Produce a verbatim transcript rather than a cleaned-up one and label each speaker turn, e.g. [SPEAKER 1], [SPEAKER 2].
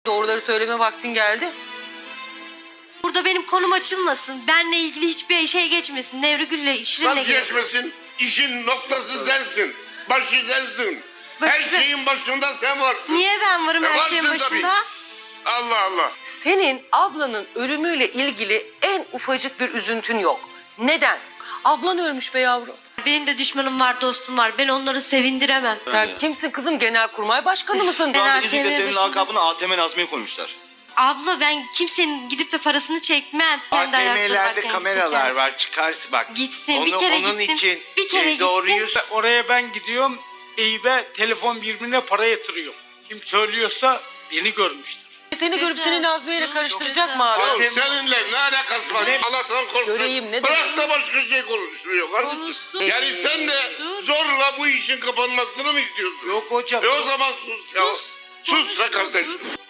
[SPEAKER 1] Doğruları söyleme vaktin geldi.
[SPEAKER 2] Burada benim konum açılmasın. Benle ilgili hiçbir şey geçmesin. Nevrigül'le, Şirin'le
[SPEAKER 3] Nasıl
[SPEAKER 2] geçsin.
[SPEAKER 3] geçmesin? İşin noktası sensin. Başı sensin.
[SPEAKER 2] Başı
[SPEAKER 3] Her
[SPEAKER 2] ben-
[SPEAKER 3] şeyin başında sen varsın.
[SPEAKER 2] Niye ben varım
[SPEAKER 3] E,
[SPEAKER 2] her
[SPEAKER 3] varsın
[SPEAKER 2] şeyin
[SPEAKER 3] tabii.
[SPEAKER 2] başında?
[SPEAKER 3] Allah Allah.
[SPEAKER 1] Senin ablanın ölümüyle ilgili en ufacık bir üzüntün yok. Neden? Ablan ölmüş be yavrum.
[SPEAKER 2] Benim de düşmanım var, dostum var. Ben onları sevindiremem.
[SPEAKER 1] Sen kimsin kızım? Genelkurmay Başkanı mısın?
[SPEAKER 2] Ben
[SPEAKER 4] Şu anda
[SPEAKER 2] A T M
[SPEAKER 4] fizikle senin
[SPEAKER 2] başında-
[SPEAKER 4] lakabını A T M Nazmi'ye koymuşlar.
[SPEAKER 2] Abla ben kimsenin gidip de parasını çekmem. Kendi ayakları
[SPEAKER 5] A T M'lerde
[SPEAKER 2] varken
[SPEAKER 5] kameralar
[SPEAKER 2] çeker.
[SPEAKER 5] var, çıkarsın bak.
[SPEAKER 2] Gitsin,
[SPEAKER 5] Onu,
[SPEAKER 2] bir kere
[SPEAKER 5] onun
[SPEAKER 2] gittim.
[SPEAKER 5] için
[SPEAKER 2] Bir kere
[SPEAKER 5] e, doğruyu
[SPEAKER 2] gittim.
[SPEAKER 6] Oraya ben gidiyorum. Eyüp'e telefon birbirine para yatırıyor. Kim söylüyorsa beni görmüştür.
[SPEAKER 1] Seni görüp seni Nazmiye ile karıştıracak mı abi?
[SPEAKER 3] Ya
[SPEAKER 5] A T M
[SPEAKER 3] seninle ne alakası var? Allah'tan korksun.
[SPEAKER 1] Göreyim, ne
[SPEAKER 3] Bırak
[SPEAKER 1] demek?
[SPEAKER 3] da başka şey konuşuyor kardeşim.
[SPEAKER 2] Konuşsun.
[SPEAKER 3] Yani sen de zorla bu işin kapanmasını mı istiyorsun?
[SPEAKER 5] Yok hocam.
[SPEAKER 3] E o zaman sus ya. Sus be kardeşim.